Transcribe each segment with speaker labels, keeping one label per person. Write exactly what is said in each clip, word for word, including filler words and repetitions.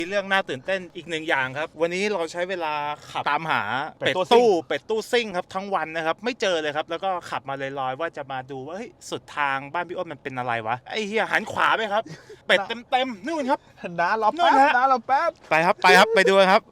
Speaker 1: มีเรื่องน่าตื่นเต้นอีกหนึ่งอย่างครับวันนี้เราใช้เวลาขับตามหาเป็ดตู้เป็ดตู้ซิ่งครับทั้งวันนะครับไม่เจอเลยครับแล้วก็ขับมาลอยๆว่าจะมาดูว่าเฮ้ยสุดทางบ้านพี่อ้นมันเป็นอะไรวะไอ้เหี้ยหันขวาไปครับเป็ดเต็มๆนู่นครับ
Speaker 2: น้ารอแป๊บน้ารอแป๊บ
Speaker 1: ไปครับไปครับไปดูครับ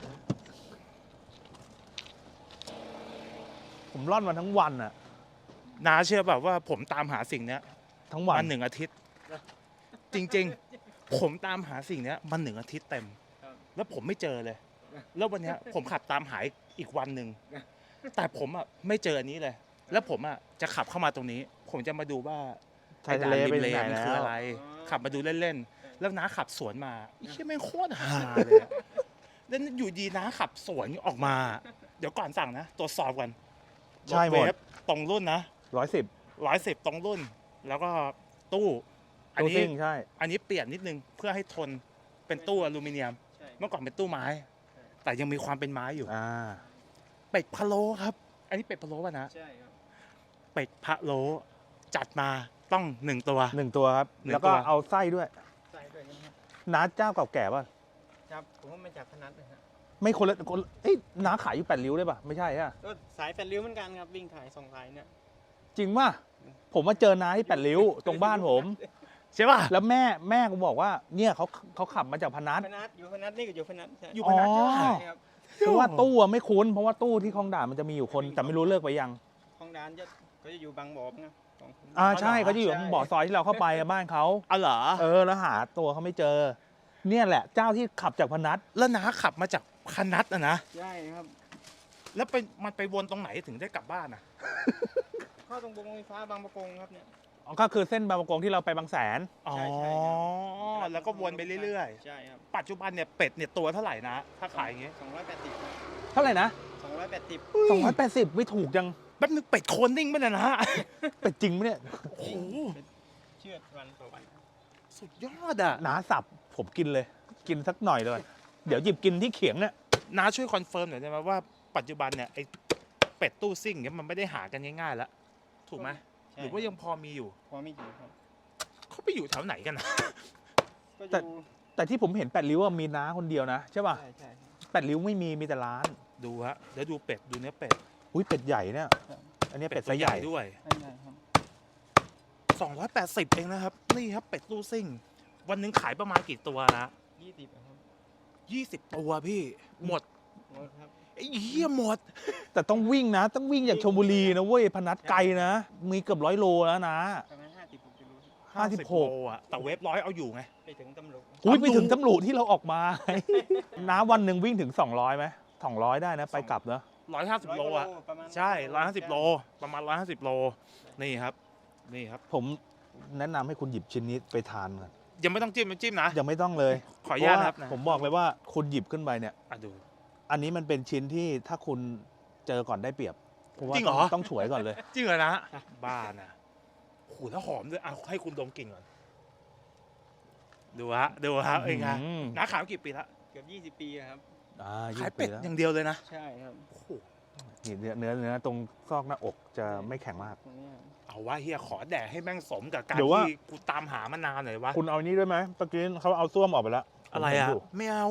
Speaker 2: ผมร่อนมาทั้งวันอะ
Speaker 1: น้าเชื่อแบบว่าผมตามหาสิ่งเนี้ย
Speaker 2: ทั้งวัน
Speaker 1: มาหนึ่งอาทิตย์ จริงๆ ผมตามหาสิ่งเนี้ยมาหนึ่งอาทิตย์เต็ม แล้วผมไม่เจอเลย แล้ววันเนี้ยผมขับตามหาอีกวันหนึ่งแต่ผมอ่ะไม่เจออันนี้เลย แล้วผมอ่ะจะขับเข้ามาตรงนี้ ผมจะมาดูว่า
Speaker 2: ชายทะเลเป็นไหน
Speaker 1: มัน
Speaker 2: แล้
Speaker 1: คือ
Speaker 2: ว
Speaker 1: อะไร ขับมาดูเล่นๆแล้วน้าขับสวนมาไอ้เหี้ยแม่งโคตรฮาเลยอะแล้วอยู่ดีน้าขับสวนออกมา เดี๋ยวก่อนสั่งนะตรวจสอบกัน
Speaker 2: ใช่หมด
Speaker 1: รถเวฟตรงรุ่นนะ
Speaker 2: ร้อยสิบ
Speaker 1: ร้อยสิบตรงรุ่น แล้วก็ตู้อัน
Speaker 2: ตู้
Speaker 1: นี้
Speaker 2: ซิ่งใช่
Speaker 1: อันนี้เปลี่ยนนิดนึงเพื่อให้ทนเป็นตู้อลูมิเนียม เมื่อก่อนเป็นตู้ไม้ แต่ยังมีความเป็นไม้อยู่
Speaker 2: อ่า
Speaker 1: เป็ดพะโล้ครับ อันนี้เป็ดพะโล้ป่ะนะ
Speaker 3: ใช่ครับ
Speaker 1: เป็ดพะโล้จัดมาต้องหนึ่งตัว
Speaker 2: หนึ่งตัวครับ
Speaker 1: หนึ่ง
Speaker 2: แล้วก็
Speaker 1: ตัว
Speaker 2: เอาไส้ด้วย
Speaker 3: ใส่ด้วยนะครับ
Speaker 2: น้าเจ้าเก่าแก่ป่ะ
Speaker 3: ครับผมว่ามาจากพนัสนะฮะ
Speaker 2: ไม่คนละคนเอ้ยน้าขายอยู่แปดริ้วได้ป่ะ ไม่ใช่อะ
Speaker 3: ก็สายแปดริ้วเหมือนกันครับวิ่งขายส่งขายเนี่ย
Speaker 2: จริงป่ะ ผมมาเจอน้าที่แปดริ้ว ตรงบ้านผม
Speaker 1: ใช่ป่ะ
Speaker 2: แล้วแม่แม่กูบอกว่า เนี่ยเขาเขาขับมาจากพนัส
Speaker 3: พนัสอยู่พนัสนี่ก็อยู่พนัสใช่
Speaker 1: อยู่พนัสใช่ป่ะ
Speaker 2: อ๋อ
Speaker 3: ใช่ครับ
Speaker 2: เพราะว่าตู้อะไม่คุ้น เพราะว่าตู้ที่คลองด่านมันจะมีอยู่คน แต่ไม่รู้เลิกไปยัง
Speaker 3: ของร้านจะก็จะอยู่บางบ่อนะของ
Speaker 2: อ่าใช่
Speaker 1: อ๋อเหรอ
Speaker 2: เขาจะอยู่ตรงบ่อซอยที่เราเข้าไปอะบ้านเขา
Speaker 1: เอาเหรอ
Speaker 2: เออแล้วหาตัวเขาไม่เจอ เนี่ยแหละเจ้าที่ขับจากพนัส
Speaker 1: แล้วน้าขับมาจากคนัดอะนะ
Speaker 3: ใช่ครับ
Speaker 1: แล้วไปมันไปวนตรงไหนถึงได้กลับบ้านอะ
Speaker 3: เข้าตรงวงไฟฟ้าบางประกงครับเนี่ย
Speaker 2: อ๋อก็คือเส้นบางประกงที่เราไปบางแสน
Speaker 1: อ๋อ
Speaker 3: ใช่ใช่ครับ
Speaker 1: แล้วก็วนไปเรื่อย
Speaker 3: ใช่ครับ
Speaker 1: ๆ ปัจจุบันเนี่ยเป็ดเนี่ยตัวเท่าไหร่นะ ถ้าขายอย่างงี้
Speaker 3: สองร้อยแปดสิบ
Speaker 2: เท่าไหร่นะ
Speaker 3: สองร้อยแปดสิบ
Speaker 2: สองร้อยแปดสิบไม่ถูกจัง
Speaker 1: แป๊บนึงเป็ดโคนนิ่งไปเลยนะ
Speaker 2: เป็ดจริงไหมเนี่ย
Speaker 1: โอ้โห
Speaker 3: เชื่อดวันต่อวัน
Speaker 1: สุดยอดอะ
Speaker 2: หนาสับผมกินเลย กินสักหน่อยเลย เดี๋ยวหยิบกินที่เขียงเนี่ย
Speaker 1: น้าช่วยคอนเฟิร์มหน่อยได้ไหมว่าปัจจุบันเนี่ยไอ้เป็ดตู้ซิ่งเนี่ยมันไม่ได้หากันง่ายๆแล้วถูกไหมหรือว่ายังพอมีอยู่
Speaker 3: พอไม่อยู่ครับ
Speaker 1: เขาไปอยู่แถวไหนกันนะ
Speaker 3: ก็อ
Speaker 2: แต่
Speaker 3: ยู่
Speaker 2: แต่ที่ผมเห็นแปดริ้วอะมีน้าคนเดียวนะใช่ป่ะ
Speaker 3: ใช่ใช่ครับ
Speaker 2: แปดริ้วไม่มีมีแต่ร้าน
Speaker 1: ดูฮะเดี๋ยวดูเป็ดดูเนื้อเป็ด
Speaker 2: อุ้ยเป็ดใหญ่เนี่ย อันนี้เป็ดไซส์ใหญ่
Speaker 1: ด้วย
Speaker 3: ใช่ใช่ครับ
Speaker 1: สองร้อยแปดสิบเองนะครับนี่ครับเป็ดตู้ซิ่ง วันหนึงขายประมาณกี่ตัวนะ
Speaker 3: ยี่สิบครับ
Speaker 1: ยี่สิบตัวพี่หมด
Speaker 3: หมดครับ
Speaker 1: ไอ้เหี้ยหมด
Speaker 2: แต่ต้องวิ่งนะ ต้องวิ่งจากชลบุรีนะเว้ยพนัสไกลนะ มีเกือบร้อยโลแล้วนะ
Speaker 3: ประมาณห้าสิบหกกิโล
Speaker 2: ห้าสิบหก
Speaker 1: โลอะแต่เวฟร้อยเอาอยู่ไง
Speaker 3: ไปถึงตำรวจ
Speaker 2: อุ้ยไปถึงตำรวจที่เราออกมา น้าวันหนึ่งวิ่งถึงสองร้อยไหมสองร้อยได้นะ ไปกลับเนอะ
Speaker 1: ร้อยห้าสิบโลอะ
Speaker 3: ประมาณ
Speaker 1: ใช่ร้อยห้าสิบโลประมาณร้อยห้าสิบโลนี่ครับนี่ครับ
Speaker 2: ผมแนะนำให้คุณหยิบชิ้นนี้ไปทานก่อน
Speaker 1: ยังไม่ต้องจิ้มไม่จิ้มนะ
Speaker 2: ยังไม่ต้องเลย
Speaker 1: ขออนุญาตนะครับ
Speaker 2: เพะว่ผมบอกเลยว่าคุณหยิบขึ้นไปเนี่ย
Speaker 1: อ่ะดู
Speaker 2: อันนี้มันเป็นชิ้นที่ถ้าคุณเจอก่อนได้เปรียบเพราะว่า
Speaker 1: จริงเหรอ
Speaker 2: ต้องต้องฉวยก่อนเลย
Speaker 1: จริงเหรอนะบ้านะโอ้โหแล้วหอมด้วยเอาให้คุณดมกลิ่นก่อนดูฮะดูฮะเอ้ยไง
Speaker 2: อืม
Speaker 1: น้าขายมากี่ปีละ
Speaker 3: เกือบยี่สิบปีครับ
Speaker 2: อ่า
Speaker 1: ขาย
Speaker 2: ยี่
Speaker 1: เป็ด
Speaker 2: สิบแล้ว
Speaker 1: อย่างเดียวเลยนะ
Speaker 3: ใช่ครับ
Speaker 1: โอ้โห
Speaker 2: นี่เนื้อเนื้อเนื้อตรงซอกหน้าอกจะไม่แข็งมาก
Speaker 3: ตรงนี้
Speaker 1: เอาว่าเฮียขอแดกให้แม่งสมกับการ
Speaker 2: เดี๋ยวว่า
Speaker 1: ที่กูตามหามานานหน่อยวะ
Speaker 2: คุณเอาอันนี้ด้วยไหมเมื่อกี้เขาเอาส้วมออกไปแล้ว
Speaker 1: อะไรอ่ะ
Speaker 2: ผมเห็นยู่
Speaker 1: ไม่เอา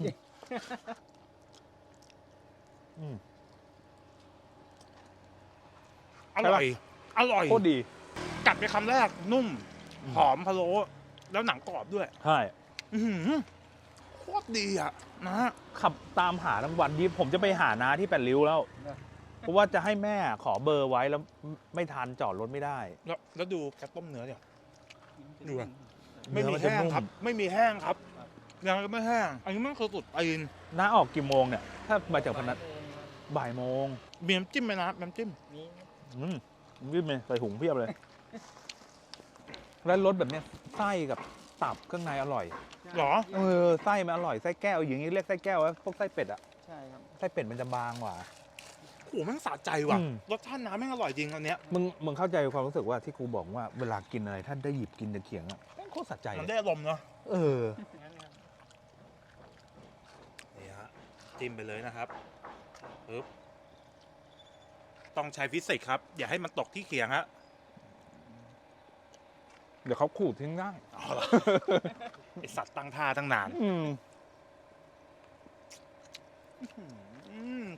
Speaker 2: อืม
Speaker 1: อร่อยอร่อย
Speaker 2: โคตรดี
Speaker 1: กัดไปคำแรกนุ่มหอมพะโล้แล้วหนังกรอบด้วย
Speaker 2: ใช่
Speaker 1: อื้อหือโคตรดีอ่ะนะ
Speaker 2: ขับตามหาทั้งวันนี้ผมจะไปหาน้าที่แปดริ้วแล้ว เพราะว่าจะให้แม่ขอเบอร์ไว้แล้วไม่ทันจอดรถไม่ได้
Speaker 1: แล้วแล้วดูแกต้มเนื้อเนี่ย ดูอะ
Speaker 2: เนื้
Speaker 1: ไม่
Speaker 2: อ
Speaker 1: มี
Speaker 2: มันจะ
Speaker 1: แห้ง
Speaker 2: นุ่ม
Speaker 1: ครับ ไม่มีแห้งครับยังไม่แห้ง อันนี้มันคือสุดตีน
Speaker 2: น้าออกกี่โมงเนี่ย ถ้ามาจากพนัสบ่ายโมง
Speaker 1: มีน้ำจิ้มไหมนะน้ำจิ้ม
Speaker 3: นี่
Speaker 2: อืมวิ่งไปใส่ถุงเพียบเลย แล้วรสแบบเนี้ยไส้กับตับข้างในอร่อย
Speaker 1: หรอ
Speaker 2: เออไส้มันอร่อยไส้แก้วอย่างนี้เรียกไส้แก้วว่าพวกไส้เป็ดอะ
Speaker 3: ใช่ครับ
Speaker 2: ไส้เป็ดมันจะบางกว่า
Speaker 1: โอ้โหแม่งสะใจว่ะ
Speaker 2: อืม
Speaker 1: รสชาติน้ำแม่งอร่อยจริงอันเนี้ย
Speaker 2: มึงมึงเข้าใจความรู้สึกว่าที่กูบอกว่าเวลากินอะไรท่านได้หยิบกินตะเขียงอะแม่งโคตรสะใจ
Speaker 1: มัน
Speaker 2: เลย
Speaker 1: ได้อารมณ์เนาะ
Speaker 2: เออ
Speaker 3: งั้นครับ
Speaker 1: นี่ฮะจิ้มไปเลยนะครับปึ๊บต้องใช้ฟิสิกส์ครับ อย่าให้มันตกที่เขียงฮะ
Speaker 2: เดี๋ยวเขาขูดทิ้งได้
Speaker 1: เอาล่ะ ไอสัตว์ตั้งท่าตั้งนาน
Speaker 2: อืม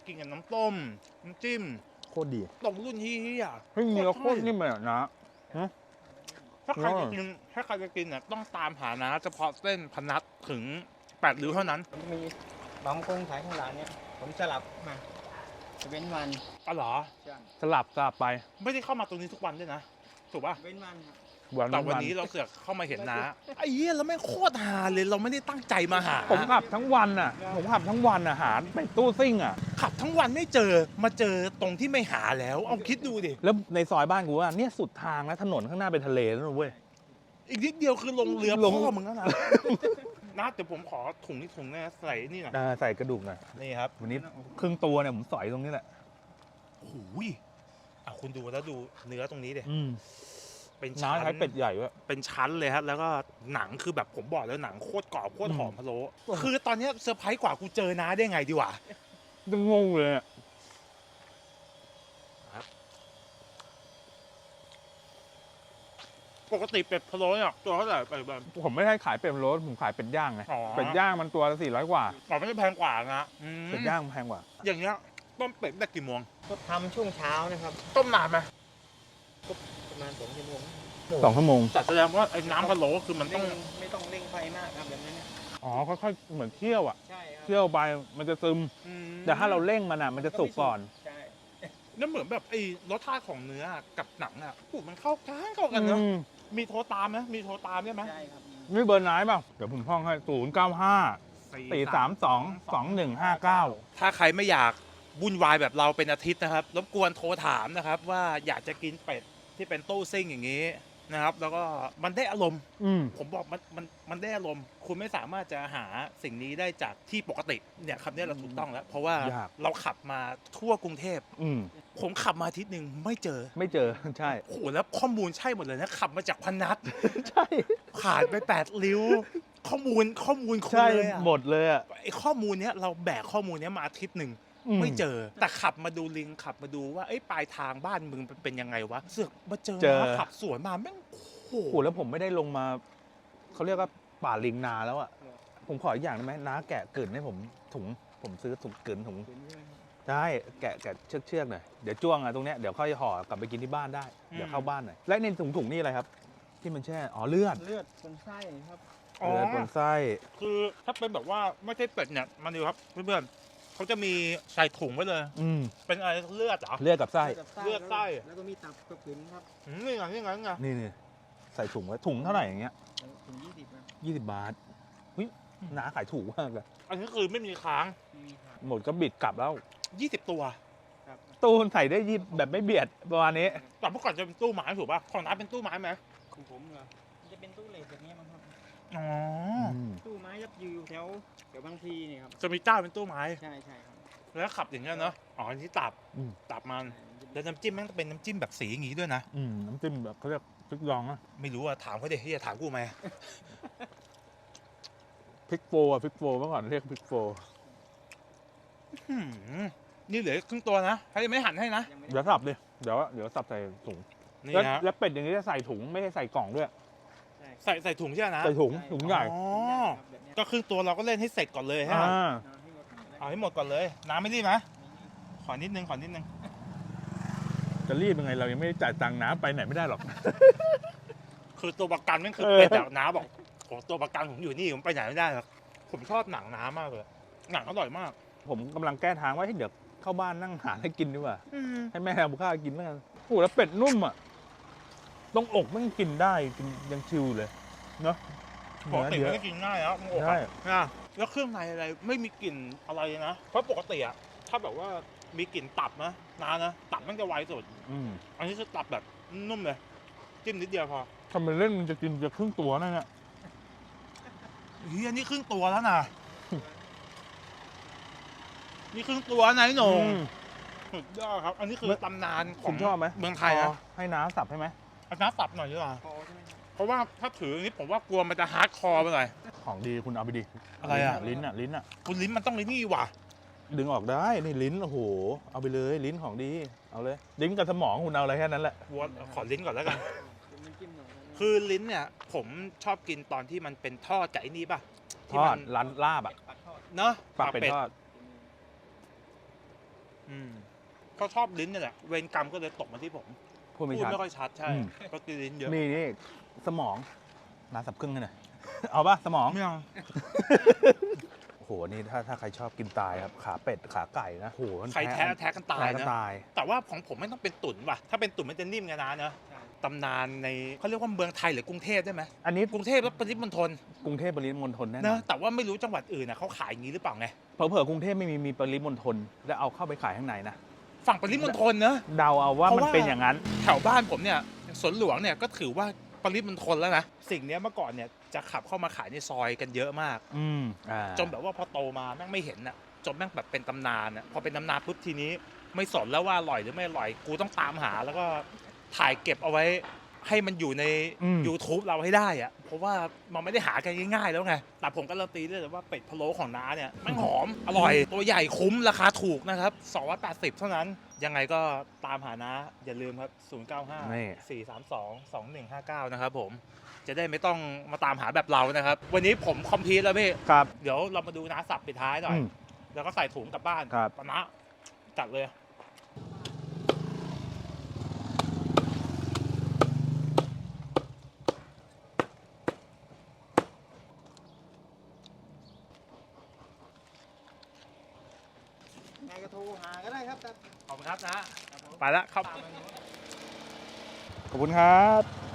Speaker 1: กินกับน้ำต้มน้ำจิ้ม
Speaker 2: โคตรดี
Speaker 1: ตรงรุ่นที่อ่ะ
Speaker 2: เฮ้ยเนื้อโคตรนิ่มเลยอะนะ
Speaker 1: ถ้าใครจะกินถ้าใครจะกินเนี่ยต้องตามหานะเฉพาะเส้นพนัทถึงแปดริ้วเท่านั้น
Speaker 3: ผมจะมีบางคนขายข้างหลังเนี่ยผมสลับมาจะเว้นวัน
Speaker 1: อ๋อเหรอ
Speaker 3: ใช่
Speaker 2: สลับสลับไป
Speaker 1: ไม่ได้เข้ามาตรงนี้ทุกวันด้วยนะถูกป่ะ
Speaker 3: เว้นวันครับ
Speaker 2: วัน
Speaker 1: แต่วัน
Speaker 2: วัน
Speaker 1: นี้เราเสือกเข้ามาเห็นนะไอ้เหี้ยแล้วแม่งโคตรหาเลยเราไม่ได้ตั้งใจมาหา
Speaker 2: ผมขับทั้งวันอ่ะ ผมขับทั้งวันอ่ะหาไปตู้ซิ่งอ่ะ
Speaker 1: ขับทั้งวันไม่เจอมาเจอตรงที่ไม่หาแล้วเอาคิดดูดิ
Speaker 2: แล้วในซอยบ้านกูอ่ะเนี่ยสุดทางแล้วถนนข้างหน้าเป็นทะเลแล้วนะเว้ย
Speaker 1: อีกนิดเดียวคือลงเรือ
Speaker 2: ลง
Speaker 1: พ่อมึงแล้วนะนะเดี๋ยวผมขอถุงนี้ถุงนะใส่นี่หน่อย
Speaker 2: อ่าใส่กระดูกหน่อย
Speaker 1: นี่ครับ
Speaker 2: วันนี้ครึ่งตัวเนี่ยผมสอยตรงนี้แหละ
Speaker 1: โอ้โหยอ่ะคุณดูแล้วดูเนื้อตรงนี้ดิ
Speaker 2: อืม
Speaker 1: เป็น
Speaker 2: น้า
Speaker 1: ชั้น
Speaker 2: ใช้เป็ดใหญ่ด้วย
Speaker 1: เป็นชั้นเลยครับแล้วก็หนังคือแบบผมบอกแล้วหนังโคตรกรอบโคตรหอมพะโล้คือตอนเนี้ยเซอร์ไพรส์กว่ากูเจอน้าได้ไงดีวะ
Speaker 2: จะงงเลยอะ
Speaker 1: ปกติเป็ดพะโล้เนี่ยตัวเท่าไหร่ไปแบบ
Speaker 2: ผมไม่ได้ขายเป็ดโรสผมขายเป็ดย่างไง
Speaker 1: อ๋อ
Speaker 2: เป็ดย่างมันตัวละสี่ร้อยกว่า
Speaker 1: อ๋อไม่ใช่แพงกว่านะอืม
Speaker 2: เป็ดย่างแพงกว่า
Speaker 1: อย่างเงี้ยต้มเป็ดได้กี่โมง
Speaker 3: ก็ทำช่วงเช้านะครับ
Speaker 1: ต้มนานไหม
Speaker 3: ประมาณสองชั่วโมง
Speaker 2: สองชั่วโมง
Speaker 1: แต่แสดงว่าไอ้น้ำพะโล้คือมันต้
Speaker 3: เร่
Speaker 1: อง
Speaker 3: งไม่ต้องเร่งไฟมากครับแบบนั้นเนี่ย
Speaker 2: อ๋อค่อยๆเหมือนเคี่ยวอ่ะ
Speaker 3: ใช่ครับ
Speaker 2: เคี่ยวไปมันจะซึม
Speaker 1: อืม
Speaker 2: แต่ถ้าเราเร่งมันอ่ะมันจะสุกก่อน
Speaker 3: ใช่
Speaker 1: แล้วเหมือนแบบไอ้รสชาติของเนื้อกับหนังอ่ะผูมันเข้ากันเข้ากันเนอะ
Speaker 2: อืม
Speaker 1: มีโทรตามไหมมีโทรตามได้ไหม
Speaker 3: ใช่ครับ
Speaker 2: นี่เบอร์ไหนเปล่าเดี๋ยวผมท่องให้ศูนย์เก้าห้าสี่สามสองสองหนึ่งห้าเก้า
Speaker 1: ถ้าใครไม่อยากวุ่นวายแบบเราเป็นอาทิตย์นะครับรบกวนโทรถามนะครับว่าอยากจะกินเป็ดที่เป็นตู้ซิ่งอย่างนี้นะครับ แล้วก็มันได้อารมณ์
Speaker 2: อืม
Speaker 1: ผมบอกมันมันมันได้อารมณ์ คุณไม่สามารถจะหาสิ่งนี้ได้จากที่ปกติเนี่ยคำนี้เราถูกต้องแล้ว เพราะว่าเราขับมาทั่วกรุงเทพ
Speaker 2: อืม
Speaker 1: ผมขับมาอาทิตย์หนึ่งไม่เจอ
Speaker 2: ไม่เจอ ใช่
Speaker 1: โอ้โหแล้วข้อมูลใช่หมดเลยนะขับมาจากพนัส
Speaker 2: ใช่
Speaker 1: ผ่านไปแปดริ้ว ข้อมูลข้อมูลคุณ
Speaker 2: ใช่
Speaker 1: เลยอะ
Speaker 2: หมดเลยอ่ะ
Speaker 1: ไอ้ข้อมูลเนี้ยเราแบกข้อมูลเนี้ยมาอาทิตย์หนึ่ง ไม่เจอ แต่ขับมาดูลิงขับมาดูว่าไอ้ยปลายทางบ้านมึงเป็นยังไงวะเสือกมาเจอ
Speaker 2: เจอ
Speaker 1: นะขับสวนมาแม่งโอ้โห
Speaker 2: โอ้โหแล้วผมไม่ได้ลงมาเขาเรียกว่าป่าลิงนาแล้วอ่ะผมขออีกอย่างได้ไหมน้าแกะกลืนให้ผมถุงผมซื้อถุงกลืนถุง
Speaker 3: เห็นใช่ไหมครับ
Speaker 2: ได้แกะแกะเชือกเชือกหน่อยเดี๋ยวจ้วงอ่ะตรงเนี้ยเดี๋ยวค่อยห่อกลับไปกินที่บ้านได้เดี๋ยวเข้าบ้านหน่อยและในถุงถุงนี่อะไรครับ ที่มันแช่อ๋อเลือด
Speaker 3: เลือดคนไส้ครับ
Speaker 1: อ๋อ
Speaker 2: เลือดบนไส้
Speaker 1: คือถ้าเป็นแบบว่าไม่ใช่เป็ดเนี่ยมาดูครับเพื่อนๆเขาจะมีใส่ถุงไว้เลย
Speaker 2: อืม
Speaker 1: เป็นอะไรเลือดเหรอ
Speaker 2: เลือดกับไส้
Speaker 1: เลือดไส้
Speaker 3: แล้วก็มีตับกับกลืนครับ
Speaker 1: อืมนี่ไงนี่ไงนี่ไง
Speaker 2: นี่นี่ใส่ถุงไว้ถุงเท่าไหร่อย่างเงี้ย
Speaker 3: ถึงยี่สิบครับ
Speaker 2: ยี่สิบบาทเฮ้ยน้าขายถูกมากเลย
Speaker 1: อันนี้คือไม่มีค้าง
Speaker 3: มีครับ
Speaker 2: หมดก็บิดกลับแล้ว
Speaker 1: ยี่สิบตัว
Speaker 3: ครับ
Speaker 2: ตู้ใส่ได้ยี่แบบไม่เบียดประมาณนี้
Speaker 1: แต่เมื่อก่อนจะเป็นตู้ไม้ถูกป่ะของน้าเป็นตู้ไม้ไหม
Speaker 3: ของผมเหรอมันจะเป็นตู้เหล็กแบบนี้มั้งครับ
Speaker 1: อ๋อ
Speaker 2: ม
Speaker 3: ตู้ไม้ยับยืแถวแถวบางพลีเนี่ยครับ
Speaker 1: จะมีเจ้าเป็นตู้ไม้
Speaker 3: ใช่ใช่ครับ
Speaker 1: แล้วขับอย่างเงี้ยเนาะอ๋ออันนี้ตับ
Speaker 2: อืม
Speaker 1: ตับมันแล้วน้ำจิ้มแม่งเป็นน้ำจิ้มแบบสีอย่างงี้ด้วยนะ
Speaker 2: อืมน้ำจิ้มแบบเขาเรียกพริกดองอะ
Speaker 1: ไม่รู้อะถามเขาดิที่จะถามกูไหม
Speaker 2: พริกโฟอะพริกโฟเมื่อก่อนเรียกพริกโฟ
Speaker 1: หืมนี่เหลือครึ่งตัวนะให้ไม่หั่นให้นะ
Speaker 3: ยังไม่
Speaker 2: เดี๋ยวสับดิเดี๋ยวเดี๋ยวสับใส่ถุง
Speaker 1: นี่
Speaker 2: แล้ว
Speaker 1: นะ
Speaker 2: แล้วเป็ดอย่างนี้จะใส่ถุงไม่ใช่ใส่กล่องด้วย
Speaker 3: ใช่
Speaker 1: ใส่ใส่ถุงใช่ไหมนะ
Speaker 2: ใส่ถุงถุงใหญ่
Speaker 1: อ๋อ
Speaker 3: ครับแบบเนี้ย
Speaker 1: ก็ครึ่งตัวเราก็เล่นให้เสร็จก่อนเลยฮะ
Speaker 2: อ่า
Speaker 3: เอาให้หมดก่อนนะ
Speaker 1: เอาให้หมดก่อนเลย น้ำไม่รีบนะขอนิดนึงขอนิดนึง
Speaker 2: จะรีบยังไงเรายังไม่ได้จ่ายตังค์น้ำไปไหนไม่ได้หรอก
Speaker 1: คือตัวประกันนั่นคือ
Speaker 2: เออ
Speaker 1: เป็ดแบบน้าบอกโอ้ตัวประกันผมอยู่นี่ผมไปไหนไม่ได้หรอกผมชอบหนังน้ามากเลยหนังอร่อยมาก
Speaker 2: ผมกำลังแก้ทางว่าให้เดี๋ยวเข้าบ้านนั่งหาให้กินดีกว่า
Speaker 1: อืม
Speaker 2: ให้แม่ทำข้าวกินแล้วกันโอ้โหแล้วเป็ดนุ่มอ่ะตรงอกมันกินได้กินยังชิวอยู่เลยเนาะ
Speaker 1: ปกติ
Speaker 2: เนื้อ
Speaker 1: มัน
Speaker 2: เย
Speaker 1: ไม่
Speaker 2: อะ
Speaker 1: กินง่ายแล้วมึงอก
Speaker 2: ใช่
Speaker 1: อะนะแล้วเครื่องในอะไรไม่มีกลิ่นอะไรนะเพราะปกติอะถ้าแบบว่ามีกลิ่นตับนะนานะตับมันจะไวสุด
Speaker 2: อืม
Speaker 1: อันนี้คือตับแบบนุ่มเลยจิ้มนิดเดียวพอ
Speaker 2: ทำเป็นเล่นมันจะกินจะครึ่งตัวนั่นแหละ
Speaker 1: เฮียนี่ครึ่งตัวแล้วนะนี่ครึ่งตัวนะไอ้หนง
Speaker 2: อืม
Speaker 1: สุดยอดครับ อันนี้คือ
Speaker 2: เมื่อ
Speaker 1: ตำนานขอ
Speaker 2: คุ
Speaker 1: ง
Speaker 2: ณชอบไหม
Speaker 1: เมืองไทย
Speaker 2: พ
Speaker 1: นะ
Speaker 2: อให้น้าสับให้ไหม
Speaker 1: เอาน้ำตับหน่อยดีกว่า
Speaker 3: พอใช่ไหมครับ
Speaker 1: เพราะว่าถ้าถืออย่างนี้ผมว่ากลัวมันจะฮาร์ดคอร์ไปหน่อย
Speaker 2: ของดีคุณเอาไปดิ
Speaker 1: อะไรอะ
Speaker 2: ลิ้นอ่ะลิ้นอ่ะ
Speaker 1: คุณลิ้นมันต้องเลยนี่ว่ะ
Speaker 2: ดึงออกได้นี่ลิ้นโอ้โหเอาไปเลยลิ้นของดีเอาเลยลิ้นกับสมองคุณเอาอะไรแค่นั้นแหละ
Speaker 1: วัวขอลิ้นก่อนแล้วกัน
Speaker 3: เป็นน้ำจิ้มหน่อยนะ
Speaker 1: คือลิ้นเนี่ย ผมชอบกินตอนที่มันเป็นทอดกับไอ้นี่ป่ะ
Speaker 2: ท
Speaker 1: ที่
Speaker 2: อ
Speaker 1: มั
Speaker 2: ดร้านลาบอ่ะ
Speaker 3: ปักทอด
Speaker 1: เนาะ
Speaker 2: ปากเป็ดทอด
Speaker 1: อืมก็ชอบลิ้นนี่แหละเวรกรรมก็เลยตกมาที่ผม
Speaker 2: พูดไม่
Speaker 1: พูด
Speaker 2: ชัด
Speaker 1: ไม่ค่อยชัดใช่
Speaker 2: อืม
Speaker 1: ก็กินลิ้นเยอะ
Speaker 2: นี่นี่สมองน้าสับครึ่งให้หน่อย เอาป่ะสมอง
Speaker 1: ไม่เอา
Speaker 2: โอ้โหนี่ถ้าถ้าใครชอบกินตายครับขาเป็ดขาไก่นะโอ้โหมัน
Speaker 1: ใครแท้แท้กันตาย
Speaker 2: แท้กัน
Speaker 1: นะ
Speaker 2: ตาย
Speaker 1: แต่ว่าของผมไม่ต้องเป็นตุ๋นว่ะถ้าเป็นตุ๋นมันจะนิ่มไงนะเนอะตำนานในเขาเรียกว่าเมืองไทยหรือกรุงเทพได้ไหม
Speaker 2: อันนี้
Speaker 1: กรุงเทพและปริมณฑล
Speaker 2: กรุงเทพปริมณฑลแน่น
Speaker 1: เน
Speaker 2: อ
Speaker 1: อะ
Speaker 2: น
Speaker 1: แต่ว่าไม่รู้จังหวัดอื่นนะเขาขายอย่างนี้หรือเปล่าไง
Speaker 2: เผลอๆกรุงเทพไม่มีมีปริมณฑลแล้วเอาเข้าไปขายข้างในนะ
Speaker 1: ฝั่งปริมณฑลเนอะ
Speaker 2: เดาเอาว่า
Speaker 1: เพราะ
Speaker 2: มัน
Speaker 1: ว่า
Speaker 2: เป็นอย่างนั้น
Speaker 1: แถวบ้านผมเนี่ยสวนหลวงเนี่ยก็ถือว่าปริมณฑลแล้วนะสิ่งเนี้ยเมื่อก่อนเนี่ยจะขับเข้ามาขายในซอยกันเยอะมาก
Speaker 2: อืมอ่า
Speaker 1: จนแบบว่าพอโตมาแม่งไม่เห็นน่ะจนแม่งแบบเป็นตำนานน่ะพอเป็นตำนานปุ๊บทีนี้ไม่สนแล้วว่าอร่อยหรือไม่อร่อยกูต้องตามหาแล้วก็ถ่ายเก็บเอาไว้ให้มันอยู่ใน
Speaker 2: อืม
Speaker 1: YouTube เราให้ได้อะเพราะว่ามันไม่ได้หากันง่ายๆแล้วไงแต่ผมการันตีได้เลยว่าเป็ดพะโล้ของน้าเนี่ยแม่งหอมอร่อยตัวใหญ่คุ้มราคาถูกนะครับสองร้อยแปดสิบเท่านั้นยังไงก็ตามหาน้าอย่าลืมครับศูนย์ เก้า ห้า
Speaker 2: นี่
Speaker 1: สี่ สาม สอง สอง หนึ่ง ห้า เก้านะครับผมจะได้ไม่ต้องมาตามหาแบบเรานะครับวันนี้ผมคอมพลีทแล้วพี่
Speaker 2: ครับ
Speaker 1: เดี๋ยวเรามาดูน้าสับปิดท้ายหน่อย
Speaker 2: อืม
Speaker 1: แล้วก็ใส่ถุงกลับบ้าน
Speaker 2: ครับ
Speaker 1: ปะนะจัดเลย
Speaker 3: ไงก็โทรหาก็ได้ครับ
Speaker 1: ขอบคุณครับนะ ไปแล้วครับ
Speaker 2: ขอบคุณครับ